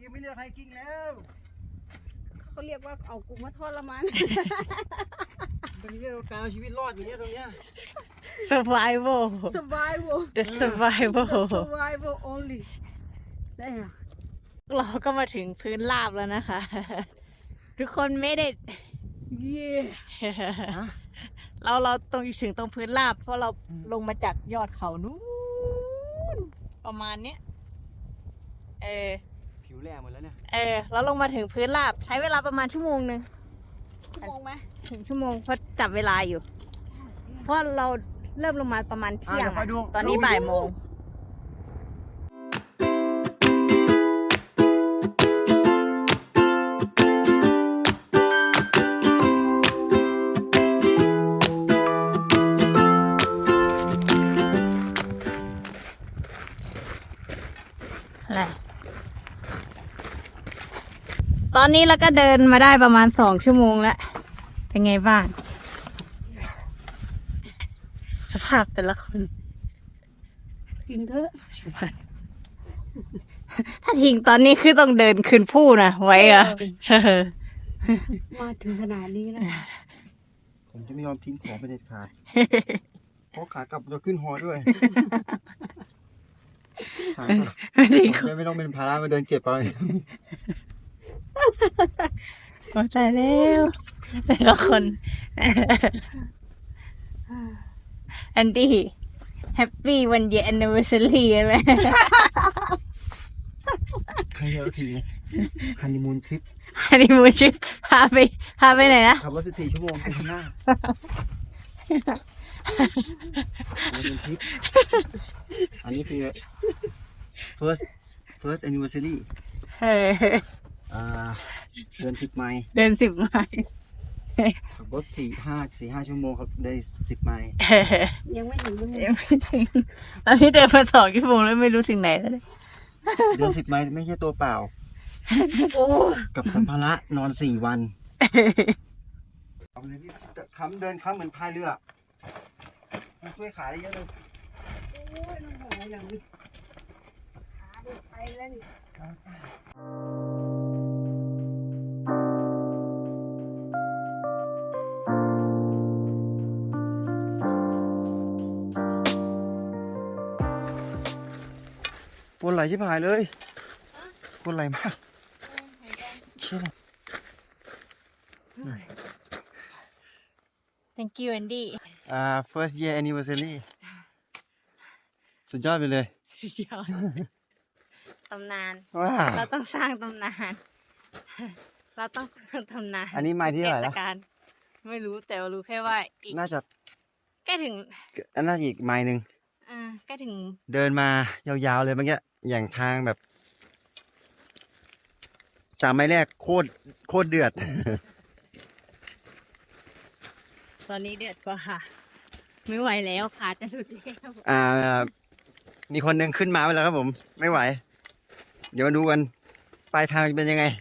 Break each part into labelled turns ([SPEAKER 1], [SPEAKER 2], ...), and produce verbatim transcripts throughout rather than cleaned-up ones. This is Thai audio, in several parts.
[SPEAKER 1] ยังไม่เลือกไฮกิ้งแล้ว
[SPEAKER 2] เขาเรียกว่าเอากูมาทอดละมัน
[SPEAKER 1] เป็นเรื่องการเอาชีวิตรอดอย่างเงี้ยตรงเนี้ย
[SPEAKER 3] survival
[SPEAKER 2] survival
[SPEAKER 3] the survival
[SPEAKER 2] survival only ได้ค่ะ
[SPEAKER 3] เราก็มาถึงพื้นราบแล้วนะคะ ทุกคนไม่ได้
[SPEAKER 2] เย่
[SPEAKER 3] เราเราตรงถึงตรงพื้นราบเพราะเราลงมาจากยอดเขานู้นประมาณเนี้ยเออ
[SPEAKER 1] ผิวแหลมหมดแล้วเนี่ย
[SPEAKER 3] เออแล้วลงมาถึงพื้นราบใช้เวลาประมาณชั่วโมงหนึ่ง
[SPEAKER 2] ชั่วโมงไหม
[SPEAKER 3] ถึงชั่วโมงเพราะจับเวลาอยู่เพราะเราเริ่มลงมาประมาณเที่ยงตอนนี้บ่ายโมงอะไรตอนนี้เราก็เดินมาได้ประมาณสองชั่วโมงแล้วเป็นไงบ้างสภาพแต่ละคน
[SPEAKER 2] กินเถอะ
[SPEAKER 3] ถ้าทิ้งตอนนี้คือต้องเดินขึ้นผู้นะไว้อะ
[SPEAKER 2] มาถึงขนาดนี้แล้ว
[SPEAKER 1] ผมจะไม่ยอมทิ้งของไปเด็ดขาดเพราะขากลับจะขึ้นหอด้วยผมไม่ต้องเป็นภาระมาเดินเจ็บไป
[SPEAKER 3] โอ้ตายแล้วแต่ละคนอันดี้แฮปปี้วันเดียร์แอนนิเวอร์ซารีใช่ไหม
[SPEAKER 1] ใครเอาทีฮันนีมูนทริป
[SPEAKER 3] ฮันนีมูนทริปพาไปพาไปไหนนะ
[SPEAKER 1] ขับรถสิบสี่ชั่วโมงไปข้างหน้าฮันนีมูนทริปอันนี้คือ first first anniversary อ่าเดินสิบไมล์
[SPEAKER 3] เดินสิบไมล์
[SPEAKER 1] ขับรถสี่ห้าสี่ห้าชั่วโมงครับได้สิบไมล์
[SPEAKER 2] ยังไม่ถึง
[SPEAKER 3] ยังไม่ถึงตอนนี้เดินมาสองชั่วโมงแล้วไม่รู้ถึงไหนแล้ว
[SPEAKER 1] เดินสิบไมล์ไม่ใช่ตัวเปล่ากับสัมภาระนอนสี่วันเอาเลยพี่ค้ำเดินค้ำเหมือนพายเรือมันช่วยขาได้เยอะเลย
[SPEAKER 2] โอ้ยน้องหอยอย่างนี้ขาเดินไปแล้วนี่
[SPEAKER 1] ปวดไหล่ชิบหายเลยปวดไหล่มากเชื่อ
[SPEAKER 3] thank you Andy
[SPEAKER 1] อ่า first year anniversary สุดยอดไปเลย
[SPEAKER 3] สุดยอดตำนาน
[SPEAKER 1] ว้า
[SPEAKER 3] เราต้องสร้างตำนานเราต้องสร้างตำนาน
[SPEAKER 1] อันนี้ไม้ที่เท่าไหร่แล้ว
[SPEAKER 3] ไม่รู้แต่รู้แค่ว่าอีก
[SPEAKER 1] น่าจะ
[SPEAKER 3] ใกล้ถึง
[SPEAKER 1] อันน่าจะอีกไม้หนึ่ง
[SPEAKER 3] อ่าใกล้ถึง
[SPEAKER 1] เดินมายาวๆเลยเมื่อกี้อย่างทางแบบสามไม้แรกโคตรโคตรเดือด
[SPEAKER 3] ตอนนี้เดือดกว่าค่ะไม่ไหวแล้วขาจะหลุดแล้ว
[SPEAKER 1] อ่ามีคนหนึ่งขึ้นมาไปแล้วครับผมไม่ไหวเดี๋ยวมาดูกันปลายทางจะเป็นยังไง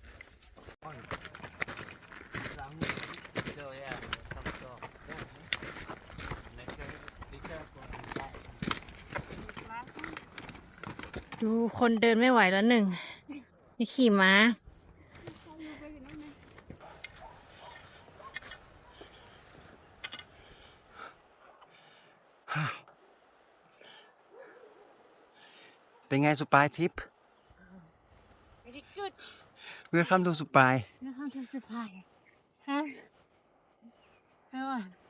[SPEAKER 3] ดูคนเดินไม่ไหวแล้วหนึ่งนี่ขี่ม้า
[SPEAKER 1] เป็นไงสุปายทริป
[SPEAKER 3] very good
[SPEAKER 1] Welcome to สุปาย
[SPEAKER 3] Welcome to สุปายฮะไม่ว่า